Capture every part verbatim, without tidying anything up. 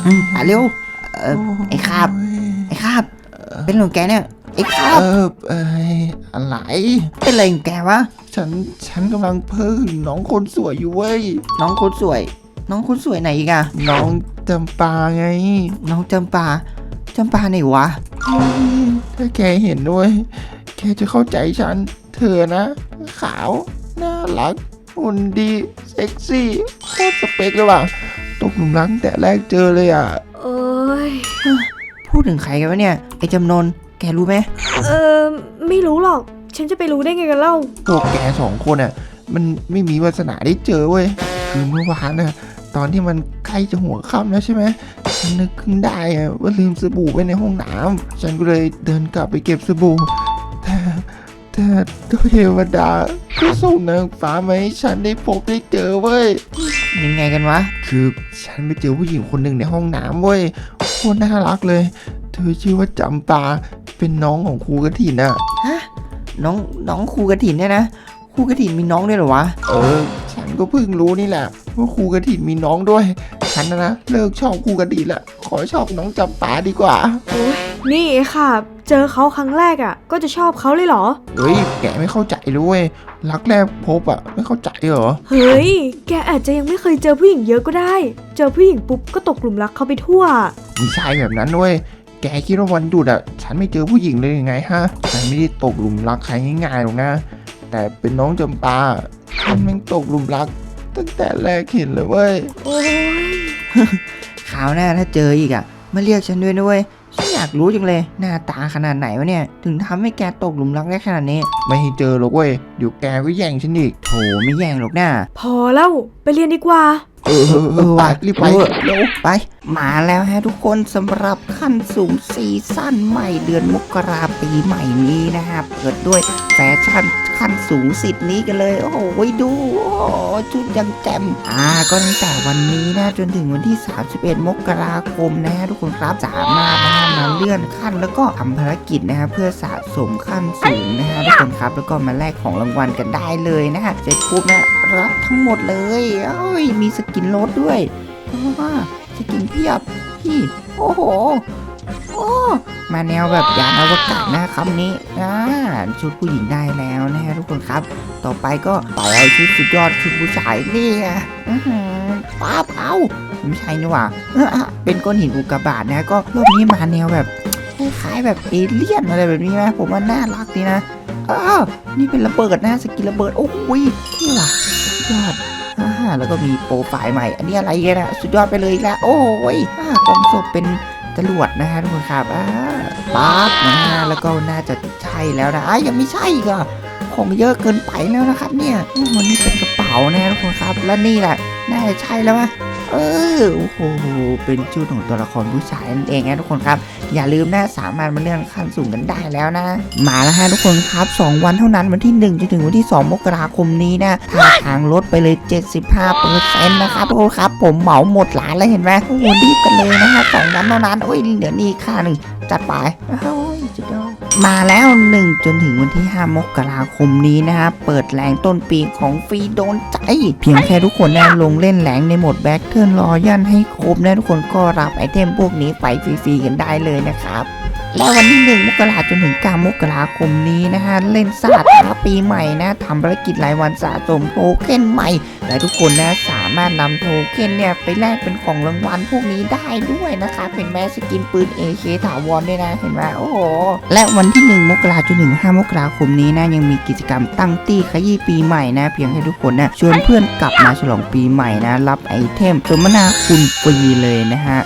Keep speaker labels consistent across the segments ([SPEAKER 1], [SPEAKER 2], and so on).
[SPEAKER 1] มาเร็วเออไอ้คาบไอ้คาบเป็นหลงแกเนี่ยไอ้คาบ
[SPEAKER 2] เออเอออะไร
[SPEAKER 1] เป็นอะไรของแกวะ
[SPEAKER 2] ฉันฉันกำลังเพิ่งน้องคนสวยอยู่เว้ย
[SPEAKER 1] น้องคนสวยน้องคนสวยไหนอีกอะ
[SPEAKER 2] น้องจำปาไง
[SPEAKER 1] น้องจำปาจำปาไหนวะ
[SPEAKER 2] ถ้าแกเห็นด้วยแกจะเข้าใจฉันเธอนะขาวน่ารักหุ่นดีเซ็กซี่โคตรสเปคเลยว่ะตกหลุมรักแต่แรกเจอเลยอ่ะ
[SPEAKER 3] โอ้ย
[SPEAKER 1] พูดถึงใครกันวะเนี่ยไอ้จำนนแกรู้ไหม
[SPEAKER 3] เออไม่รู้หรอกฉันจะไปรู้ได้ไงกันเล่า
[SPEAKER 2] พวกแกสองคนอ่ะมันไม่มีวาสนาได้เจอเว้ยคือเมื่อวานน่ะตอนที่มันใกล้จะหัวค่ำแล้วใช่ไหมฉันนึกขึ้นได้อะว่าลืมสบู่ไว้ในห้องน้ำฉันก็เลยเดินกลับไปเก็บสบู่แต่แต่เทวดาก็ส่งนางฟ้ามาให้ฉันได้พบได้เจอเว้ย
[SPEAKER 1] ยังไงกันวะ
[SPEAKER 2] คือฉันไปเจอผู้หญิงคนหนึ่งในห้องน้ำเว้ยโคตรน่ารักเลยเธอชื่อว่าจำปาเป็นน้องของครูกฐินน่ะ
[SPEAKER 1] ฮะน้องน้องครูกฐินเนี่ยนะครูกฐินมีน้องด้วยเหรอวะ
[SPEAKER 2] เออฉันก็เพิ่งรู้นี่แหละว่าครูกฐินมีน้องด้วยฉันนะนะเลิกชอบครูกฐินละขอชอบน้องจำปาดีกว่า
[SPEAKER 3] โอ้ยนี่ค่ะเจอเขาครั้งแรกอ่ะก็จะชอบเขาเลยเหรอ
[SPEAKER 2] เฮ้ยแกไม่เข้าใจเลยรักแรกพบอ่ะไม่เข้าใจเหรอ
[SPEAKER 3] เฮ้ยแกอาจจะยังไม่เคยเจอผู้หญิงเยอะก็ได้เจอผู้หญิงปุ๊บก็ตกหลุมรักเขาไปทั่ว
[SPEAKER 2] ไม่ใช่แบบนั้นด้วยแกคิดว่าวันหยุดอ่ะฉันไม่เจอผู้หญิงเลยยังไงฮะฉันไม่ได้ตกหลุมรักใครง่ายๆหรอกนะแต่เป็นน้องจำปาฉันแม่งตกหลุมรักตั้งแต่แรกเห็นเลยเว้ย
[SPEAKER 3] โอ้ย
[SPEAKER 1] คราวหน้าถ้าเจออีกอ่ะมาเรียกฉันด้วยด้วยฉันอยากรู้จังเลยหน้าตาขนาดไหนวะเนี่ยถึงทำให้แกตกหลุมรักได้ขนาดนี้
[SPEAKER 2] ไม่ให้เจอหรอกเว้ยเดี๋ยวแกก็แย่งฉันอีก
[SPEAKER 1] โถไม่แย่งหรอกนะ
[SPEAKER 3] พอแล้วไปเรียนดีกว่า
[SPEAKER 2] เออเออไปรีบไป
[SPEAKER 1] เร็วไปมาแล้วฮะทุกคนสำหรับขั้นสูงซีซั่นใหม่เดือนมกราปีใหม่นี้นะครับเปิดด้วยแฟชั่นขั้นสูงสิทธิ์นี้กันเลยโอ้โหดูโอ้ชุดยังแจ่มอ่าก็ตั้งแต่วันนี้นะจนถึงวันที่สามสิบเอ็ดมกราคมนะฮะทุกคนครับสามารถนะมาเลื่อนขั้นแล้วก็ทำภารกิจนะฮะเพื่อสะสมขั้นสูงนะฮะทุกคนครับแล้วก็มาแลกของรางวัลกันได้เลยนะฮะเสร็จปุ๊บนะรับทั้งหมดเลยเอ้ยมีสกินรถด้วยว้าสกินเพียบพี่โอ้โหโอ้มาแนวแบบยานอวกาศนะคำนี้อ่าชุดผู้หญิงได้แล้วนะฮะทุกคนครับต่อไปก็ไปเอาชุดสุดยอดชุดผู้ชายนี่ป้าเผาไม่ใช่นี่หว่าเป็นก้อนหินอุกกาบาตนะก็รอบนี้มาแนวแบบคล้ายๆแบบเอเลี่ยนอะไรแบบนี้นะผมว่าน่ารักดีนะอ้าวนี่เป็นระเบิดนะสกินระเบิดโอ้ยนี่ว่ะยอดแล้วก็มีโปรไฟล์ใหม่อันนี้อะไรกันนะสุดยอดไปเลยแล้วโอ้ยกล่องศพเป็นจรวดนะฮะทุกคนครับปั๊บนะแล้วก็น่าจะใช่แล้วนะยังไม่ใช่ก็ของเยอะเกินไปแล้วนะครับเนี่ยมันนี่เป็นกระเป๋านะทุกคนครับและนี่แหละน่าจะใช่แล้วมั้ยเออโอ้โหเป็นชุดของตัวละครผู้ชายนั่นเองนะทุกคนครับอย่าลืมนะสามารถมาเลื่อนขั้นสูงกันได้แล้วนะมาแล้วฮะทุกคนครับสองวันเท่านั้นวันที่หนึ่งจนถึงวันที่สองมกราคมนี้นะทางทางลดไปเลย เจ็ดสิบห้าเปอร์เซ็นต์ นะครับทุกคนครับผมเหมาหมดร้านแล้วเห็นไหมโอ้โหรีบกันเลยนะฮะสองวันเท่านั้นโอ้ยเดี๋ยวนี้ค่าหนึ่งจัดไปโอ้ยสุดยอดมาแล้วหนึ่งจนถึงวันที่ห้ามกราคมนี้นะฮะเปิดแหล่งต้นปีของฟรีโดนใจเพียงแค่ทุกคนนะลงเล่นแหล่งในโหมดแบ็คเทิร์นรอยันให้ครบนะทุกคนก็รับไอเทมพวกนี้ไปฟรีๆกันได้เลยนะครับและวันที่หนึ่งมกราจนถึงเก้ามกราคมนี้นะฮะเล่นศาสตร์ท้าปีใหม่นะทำภารกิจรายวันสะสมโทเค็นใหม่และทุกคนนะสามารถนำโทเค็นเนี่ยไปแลกเป็นของรางวัลพวกนี้ได้ด้วยนะคะเป็นแม้สกินปืน เอ เค ถาวรด้วยนะเห็นไหมโอ้โหและวันที่หนึ่งมกราจนถึงห้ามกราคมนี้นะยังมีกิจกรรมตั้งตี้ขยี้ปีใหม่นะเพียงให้ทุกคนนะชวนเพื่อนกลับมาฉลองปีใหม่นะรับไอเทมสมนาคุณฟรีเลยนะฮะ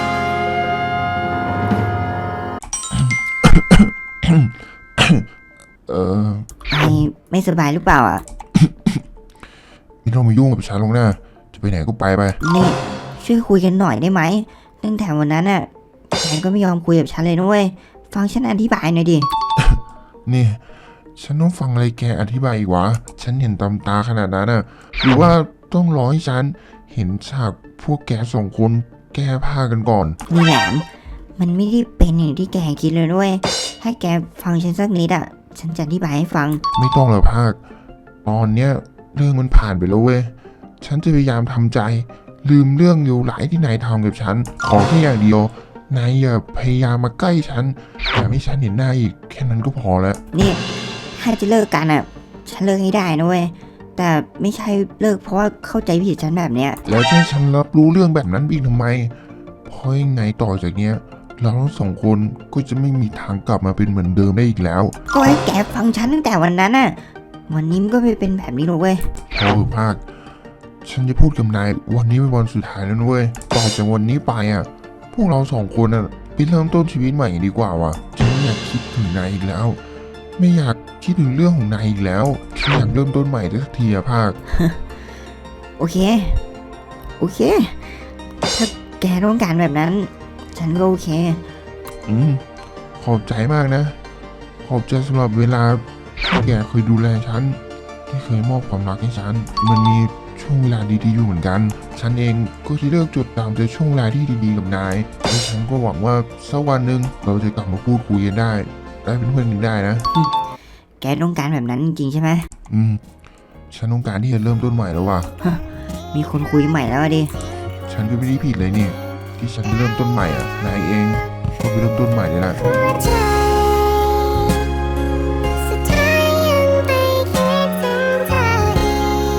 [SPEAKER 2] เออ
[SPEAKER 1] ไอไม่สบายหรือเปล่าอ่ะ
[SPEAKER 2] ไม่ต้องมายุ่งกับฉันหรอกนะจะไปไหนก็ไปไป
[SPEAKER 1] นี่ช่วยคุยกันหน่อยได้ไหมตั้งแต่วันนั้นน่ะแกก็ไม่ยอมคุยกับฉันเลยนะเว้ยฟังฉันอธิบายหน่อยดิ
[SPEAKER 2] นี่ฉันต้องฟังอะไรแกอธิบายอีกวะฉันเห็นตำตาขนาดนั้นน่ะหรือว่าต้องรอให้ฉันเห็นฉากพวกแกสองคนแก้ผ้ากันก่อน
[SPEAKER 1] นี่แหลมมันไม่ได้เป็นอย่างที่แกคิดเลยด้วยถ้าแกฟังฉันสักนิดอ่ะฉันจะอธิบายให้ฟัง
[SPEAKER 2] ไม่ต้องหรอกภาคตอนเนี้ยเรื่องมันผ่านไปแล้วเว้ยฉันจะพยายามทำใจ
[SPEAKER 4] ลืมเรื่องอยู่หลายที่นายทำกับฉันขอแค่อย่างเดียวนายอย่าพยายามมาใกล้ฉันอย่าให้ฉันเห็นหน้าอีกแค่นั้นก็พอแล้ว
[SPEAKER 5] นี่ถ้าจะเลิกกันอ่ะฉันเลิกให้ได้นะเว้ยแต่ไม่ใช่เลิกเพราะว่าเข้าใจผิดฉันแบบเนี้ย
[SPEAKER 4] แล้วจะให้ฉันรับรู้เรื่องแบบนั้นอีกทำไมเพราะยังไงต่อจากเนี้ยเราทั้งสองคนก็จะไม่มีทางกลับมาเป็นเหมือนเดิมได้อีกแล้ว
[SPEAKER 5] ก็ให้แกฟังฉันตั้งแต่วันนั้นน่ะวันนี้มันก็ไม่เป็นแบบนี้หรอกเว้ย
[SPEAKER 4] พอเถอะภาคฉันจะพูดกับนายวันนี้เป็นวันสุดท้ายแล้วนะเว้ยต่อจากวันนี้ไปอ่ะพวกเราสองคนอ่ะไปเริ่มต้นชีวิตใหม่ดีกว่าว่ะฉันไม่อยากคิดถึงนายอีกแล้ว ไม่อยากคิดถึงเรื่องของนายอีกแล้วฉันอยากเริ่มต้นใหม่สักทีอะภาค
[SPEAKER 5] โอเคโอเคถ้าแกต้องการแบบนั้น ฉันก็โอเค
[SPEAKER 4] อืมขอบใจมากนะ ขอบใจสำหรับเวลาที่แกเคยดูแลฉันที่เคยมอบความรักให้ฉันมันมีช่วงเวลาดีๆอยู่เหมือนกัน ฉันเองก็จะเลือกจดจำแต่ช่วงเวลาที่ดีๆกับนายและฉันก็หวังว่าสักวันหนึ่งเราจะกลับมาพูดคุยกันได้ได้เป็นเพื่อนกันได้นะ
[SPEAKER 5] แกต้องการแบบนั้นจริงๆใช่ไหม
[SPEAKER 4] อืมฉันต้องการที่จะเริ่มต้นใหม่แล้วว่ะ
[SPEAKER 5] มีคนคุยใหม่แล้วอะดิ
[SPEAKER 4] ฉันก็ไม่ได้ผิดเลยนี่ที่ฉันจะเริ่มต้นใหม่อ่ะนายเองก็ไปเริ่มต้นใหม่เลยนะ
[SPEAKER 6] สุดท้ายยังไปคิดถึงเธออี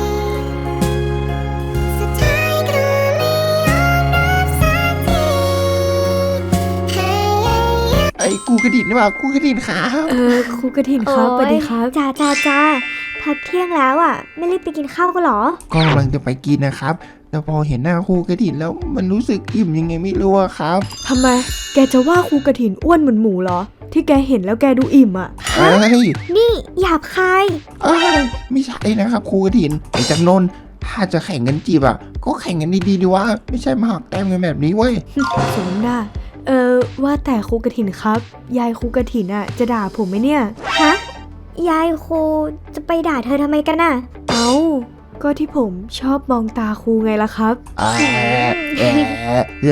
[SPEAKER 6] กสุดท้ายก็ไม่ยอมรับสักทีพยายาม
[SPEAKER 2] ไอ้กูกระดิ่งนี่ว่ากูกระดิ่งขา
[SPEAKER 3] เออครูกระถินครับสวัสดีครับ
[SPEAKER 6] จ้าจ้าจ้าพักเที่ยงแล้วอ่ะ ไม่รีบไปกินข้าวกันเหรอ
[SPEAKER 2] ก็กำลังจะไปกินนะครับ แต่พอเห็นหน้าครูกระดิ่งแล้วมันรู้สึกอิ่มยังไงไม่รู้อะครับ
[SPEAKER 3] ทำไม แกจะว่าครูกระถินอ้วนเหมือนหมูเหรอ ที่แกเห็นแล้วแกดูอิ่มอ่ะ
[SPEAKER 2] เอ้ย
[SPEAKER 6] นี่หยาบคาย
[SPEAKER 2] เอ้ยไม่ใช่นะครับครูกระถินไอ้จำนนถ้าจะแข่งกันจีบอะก็แข่งกันดีๆดีวะไม่ใช่มาหักแต้มกันแบบนี้เว้ย
[SPEAKER 3] สมน้าเออว่าแต่ครูกระถินครับ ยายครูกระถินอ่ะจะด่าผมไหมเนี่ย
[SPEAKER 6] ฮะ ยายครูจะไปด่าเธอทำไมกันน่ะ
[SPEAKER 3] เอา ก็ที่ผมชอบมองตาครูไงล่ะครับ
[SPEAKER 2] แอะแอะแอะ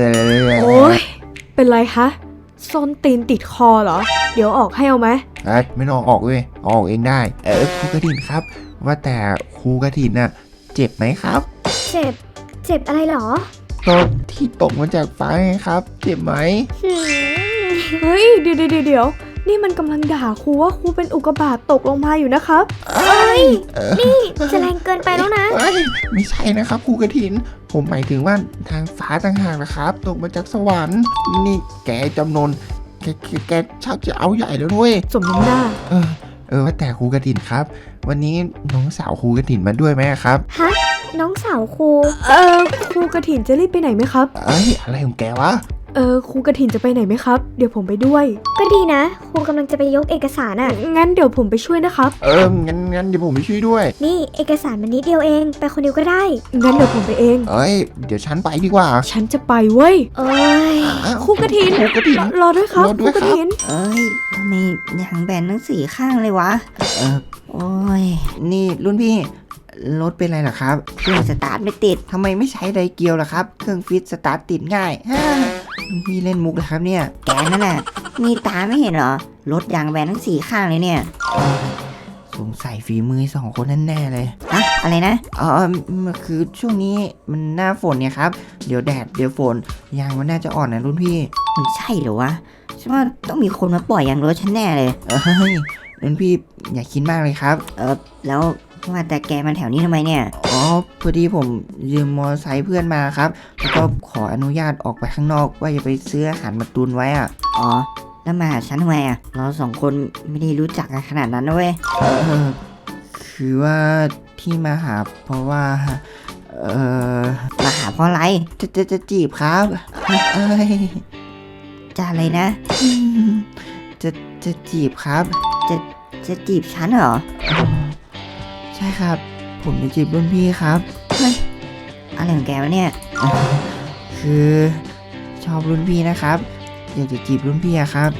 [SPEAKER 3] โอ๊ย เป็นไรคะส้นตีนติดคอเหรอ เดี๋ยวออกให้เอาไหม
[SPEAKER 2] เอ้ยไม่ต้องออกเว้ยออกเองได้ เออครูกระถินครับ ว่าแต่ครูกระถินน่ะเจ็บไหมครับ
[SPEAKER 6] เจ็บ เจ็บอะไรเหรอ
[SPEAKER 2] ก็ที่ตกมาจากฟ้าไงครับ เจ็บไหม
[SPEAKER 6] หืม
[SPEAKER 3] เฮ้ย เดี๋ยวเดี๋ยวเดี๋ยวนี่มันกำลังด่าครูว่าครูเป็นอุกกาบาตตกลงมาอยู่นะครับ
[SPEAKER 6] เอ้ย
[SPEAKER 2] เออ
[SPEAKER 6] นี่จะแรงเกินไปแล้วนะ
[SPEAKER 2] เอ้ยไม่ใช่นะครับครูกระถิน ผมหมายถึงว่าทางฟ้าต่างหากนะครับ ตกมาจากสวรรค์ นี่แกจำนนแกแกแกชักจะเอาใหญ่แล้วด้วย
[SPEAKER 3] สมน้ำหน้า
[SPEAKER 2] เออเออว่าแต่ครูกระถินครับ วันนี้น้องสาวครูกระถินมาด้วยไหมครับ
[SPEAKER 6] ฮะ น้องสาวครู
[SPEAKER 3] เออครูกระถินจะรีบไปไหนไหมครับ
[SPEAKER 2] เอ้ยอะไรของแกวะ
[SPEAKER 3] เออครูกระถินจะไปไหนไหมครับ เดี๋ยวผมไปด้วย
[SPEAKER 6] ก็ดีนะ ครูกำลังจะไปยกเอกสารอ่ะ
[SPEAKER 3] งั้นเดี๋ยวผมไปช่วยนะครับ
[SPEAKER 2] เอองั้นงั้นเดี๋ยวผมไปช่วยด้วย
[SPEAKER 6] นี่เอกสารมันนิดเดียวเอง ไปคนเดียวก็ได้
[SPEAKER 3] งั้นเดี๋ยวผมไปเอง
[SPEAKER 2] เอ้ยเดี๋ยวฉันไปดีกว่า
[SPEAKER 3] ฉันจะไปเว้ย
[SPEAKER 6] เอ้ย
[SPEAKER 2] อ้าว
[SPEAKER 3] ครูกระถิน
[SPEAKER 2] ครูกระถิน
[SPEAKER 3] รรอด้วยครับ
[SPEAKER 2] รอ
[SPEAKER 3] ค
[SPEAKER 2] ด้
[SPEAKER 3] รู
[SPEAKER 2] วย
[SPEAKER 3] กระ
[SPEAKER 2] ครับ
[SPEAKER 3] ถิน
[SPEAKER 5] เอ้ยทำไมยางแบนทั้งสี่ข้างเลยวะ เออโอ้ย
[SPEAKER 2] นี่รุ่นพี่รถเป็นไรเหรอครับ
[SPEAKER 5] เครื่องสตาร์ทไม่ติด
[SPEAKER 2] ทำไมไม่ใช้ไดเกียวล่ะครับ เครื่องฟิตสตาร์ทติดง่ายฮ่ารุ่นพี่เล่นมุกเหรอครับเนี่ย
[SPEAKER 5] แกนั่นน่ะ มีตาไม่เห็นเหรอ รถยางแบนทั้งสี่ข้างเลยเนี่ย
[SPEAKER 2] สงสัยฝีมือสองคนนั่นแน่เลย
[SPEAKER 5] ฮะ อะไรนะ
[SPEAKER 2] อ๋อมันคือช่วงนี้มันหน้าฝนเนี่ยครับ เดี๋ยวแดดเดี๋ยวฝนยางมันน่าจะอ่อนนะรุ่นพี่
[SPEAKER 5] มันใช่เหรอวะฉันว่าต้องมีคนมาปล่อยยางรถฉันแน่เลย
[SPEAKER 2] เอ้ยรุ่นพี่อย่าคิดมากเลยครับ
[SPEAKER 5] เออแล้วว่าแต่แกมันแถวนี้ทำไมเนี่ย
[SPEAKER 2] อ๋อพอดีผมยืมมอเตอร์ไซค์เพื่อนมาครับ แล้วก็ขออนุญาตออกไปข้างนอกว่าจะไปซื้ออาหารมาตุนไว้อะ
[SPEAKER 5] อ๋อ แล้วมาหาฉันทำไมอ่ะ เราสองคนไม่ได้รู้จักกันขนาดนั้นนะเว้ย
[SPEAKER 2] เออคือว่าที่มาหาเพราะว่า เออ
[SPEAKER 5] มาหาเพราะอะไร
[SPEAKER 2] จะจะจะจีบครับเอ้ย
[SPEAKER 5] จะอะไรนะ
[SPEAKER 2] อืมจะจะจีบครับ
[SPEAKER 5] จะจีบฉันเหรอ
[SPEAKER 2] ใช่ครับ ผมจะจีบรุ่นพี่ครับ
[SPEAKER 5] อะไรของแกวะเนี่ย
[SPEAKER 2] คือชอบรุ่นพี่นะครับ อยากจะจีบรุ่นพี่อะครับ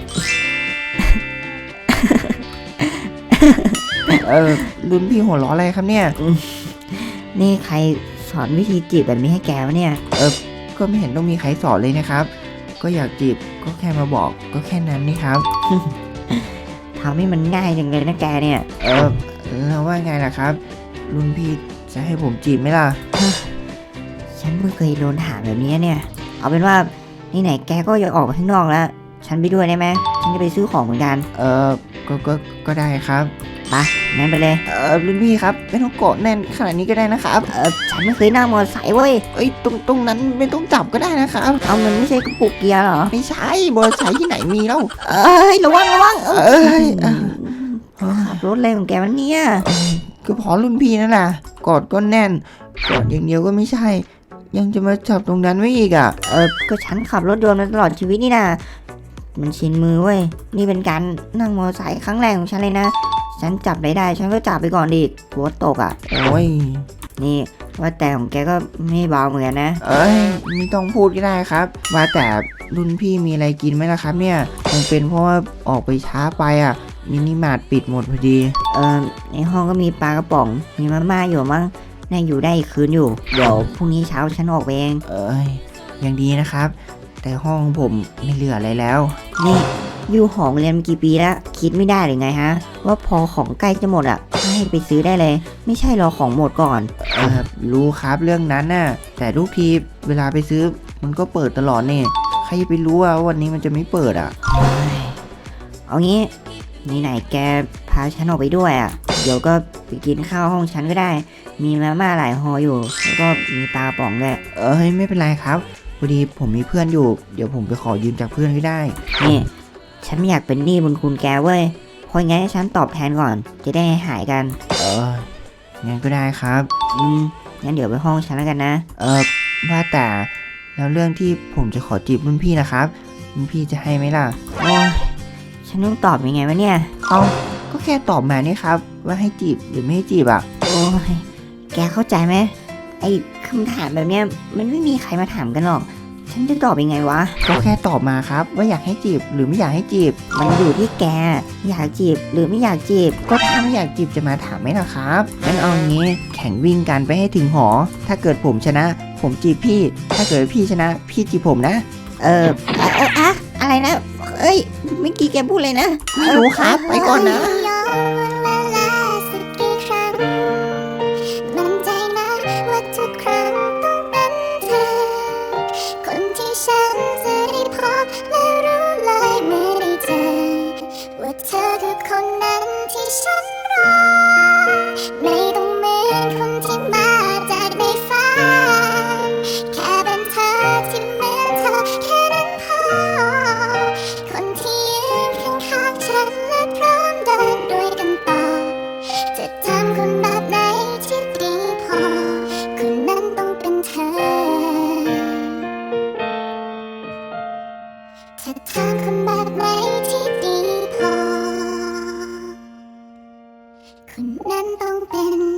[SPEAKER 2] เออรุ่นพี่หัวเราะอะไรครับเนี่ย
[SPEAKER 5] นี่ใครสอนวิธีจีบแบบนี้ให้แกวะเนี่ย
[SPEAKER 2] ก็ไม่เห็นต้องมีใครสอนเลยนะครับ ก็อยากจีบก็แค่มาบอกก็แค่นั้นนี่ครับ
[SPEAKER 5] ทำให้มันง่ายจังเลยนะแกเนี่ย
[SPEAKER 2] เออแล้วว่าไงล่ะครับ รุ่นพี่จะให้ผมจีบไหมล่ะ
[SPEAKER 5] ฉฉันเพิ่งเคยโดนถามแบบนี้เนี่ย เอาเป็นว่านี่ไหนๆแกก็อยากออกมาข้างนอกแล้ว ฉันไปด้วยได้ไหมฉันจะไปซื้อของเหมือนกัน
[SPEAKER 1] เออก็ก็ก็ได้ครับ
[SPEAKER 5] ไปงั้นไปเลย
[SPEAKER 1] เออรุ่นพี่ครับไม่ต้องเกาะแน่นขนาดนี้ก็ได้นะครับ
[SPEAKER 5] เออฉันไม่เคยนั่งมอเตอร์ไซค์เว้ย
[SPEAKER 1] เอ้ยตรงตรงนั้นไม่ต้องจับก็ได้นะครับ
[SPEAKER 5] เอามันไม่ใช่กระปุกเกียร์เหรอ
[SPEAKER 1] ไม่ใช่บอลใช้ที่ไหนมีแล้ว
[SPEAKER 5] เอ้ยระวังระวังเออ
[SPEAKER 1] เอ้ยอ่ะ
[SPEAKER 5] ขับรถอะไรของแกวันเนี่ย
[SPEAKER 1] ก็พอรุ่นพี่นั่นแหละกอดก็แน่นกอดอย่างเดียวก็ไม่ใช่ ยังจะมาจับตรงนั้นไว้อีกอ่ะ
[SPEAKER 5] เออก็ฉันขับรถยนต์มาตลอดชีวิตนี่นะมันชินมือเว้ย นี่เป็นการนั่งมอเตอร์ไซค์ครั้งแรกของฉันเลยนะ ฉันจับได้ได้ ฉันก็จับไปก่อนดิกลัวตกอ่ะ
[SPEAKER 1] โอ้ย
[SPEAKER 5] นี่ว่าแต่ของแกก็ไม่เบาเหมือนกันนะ
[SPEAKER 1] เอ้ยไม่ต้องพูดก็ได้ครับ ว่าแต่รุ่นพี่มีอะไรกินไหมล่ะครับเนี่ยคงเป็นเพราะว่าออกไปช้าไปอ่ะมินิมาร์ทปิดหมดพอดี
[SPEAKER 5] เออในห้องก็มีปลากระป๋อง มีมาม่าอยู่มั้งน่าอยู่ได้อีกคืนอยู่ เดี๋ยวพรุ่งนี้เช้าฉันออกไปเอง
[SPEAKER 1] เอ้ยยังดีนะครับ แต่ห้องผมไม่เหลืออะไรแล้ว
[SPEAKER 5] นี่อยู่หอเรียนมากี่ปีแล้วคิดไม่ได้หรือไงฮะ ว่าพอของใกล้จะหมดอ่ะให้ไปซื้อได้เลย ไม่ใช่รอของหมดก่อน
[SPEAKER 1] เออรู้ครับเรื่องนั้นน่ะแต่ทุกทีเวลาไปซื้อมันก็เปิดตลอดเนี่ยใครจะไปรู้ว่าวันนี้มันจะไม่เปิดอ่ะ
[SPEAKER 5] เอางี้ไหนๆแกพาฉันออกไปด้วยอ่ะ เดี๋ยวก็ไปกินข้าวห้องฉันก็ได้ มีมาม่าหลายห่ออยู่ แล้วก็มีปลากระป๋องด้วย
[SPEAKER 1] เอ้ยไม่เป็นไรครับพอดีผมมีเพื่อนอยู่ เดี๋ยวผมไปขอยืมจากเพื่อนก็ได้
[SPEAKER 5] นี่ ฉันไม่อยากเป็นหนี้บุญคุณแกเว้ยเพราะงั้นให้ฉันตอบแทนก่อน จะได้หายกัน
[SPEAKER 1] เอองั้นก็ได้ครับ
[SPEAKER 5] อืมงั้นเดี๋ยวไปห้องฉันแล้วกันนะ
[SPEAKER 1] เออว่าแต่แล้วเรื่องที่ผมจะขอจีบรุ่นพี่นะครับรุ่นพี่จะให้ไหมล่ะ
[SPEAKER 5] โอ้ยฉันต้องตอบยังไงวะเนี่ย
[SPEAKER 1] เอาก็แค่ตอบมานี่ครับ ว่าให้จีบหรือไม่ให้จีบอ่ะ
[SPEAKER 5] โอ้ย แกเข้าใจไหมไอ้คำถามแบบเนี้ยมันไม่มีใครมาถามกันหรอก ฉันจะตอบยังไงวะ
[SPEAKER 1] ก็แค่ตอบมาครับ ว่าอยากให้จีบหรือไม่อยากให้จีบ
[SPEAKER 5] มันอยู่ที่แก อยากจีบหรือไม่อยากจีบ
[SPEAKER 1] ก็ถ้าไม่อยากจีบจะมาถามไหมล่ะครับงั้นเอาอย่างงี้แข่งวิ่งกันไปให้ถึงหอ ถ้าเกิดผมชนะ ผมจีบพี่ ถ้าเกิดพี่ชนะ พี่จีบผมนะ
[SPEAKER 5] เอออะอะอะอะไรนะ เอ้ย เมื่อกี้แกพูดเลยนะ
[SPEAKER 1] ไม่รู้ครับไปก่อนนะ
[SPEAKER 6] ย้อนเวลาสักกี่ครั้งมั่นใจนะว่าทุกครั้งต้องเป็นเธอ คนที่ฉันจะได้พบและรู้เลยเมื่อได้เจอ ว่าเธอคือคนนั้นที่ฉันรอ ไม่ต้องเหมือนคนที่มาจากในฝันแค่เป็นเธอที่เหมือนเธอแค่นั้นพอ คนที่ยืนข้างๆฉันและพร้อมเดินด้วยกันต่อ จะทำคนแบบไหนที่ดีพอ คนนั้นต้องเป็นเธอ จะทำคนแบบไหนที่ดีพอ คนนั้นต้องเป็น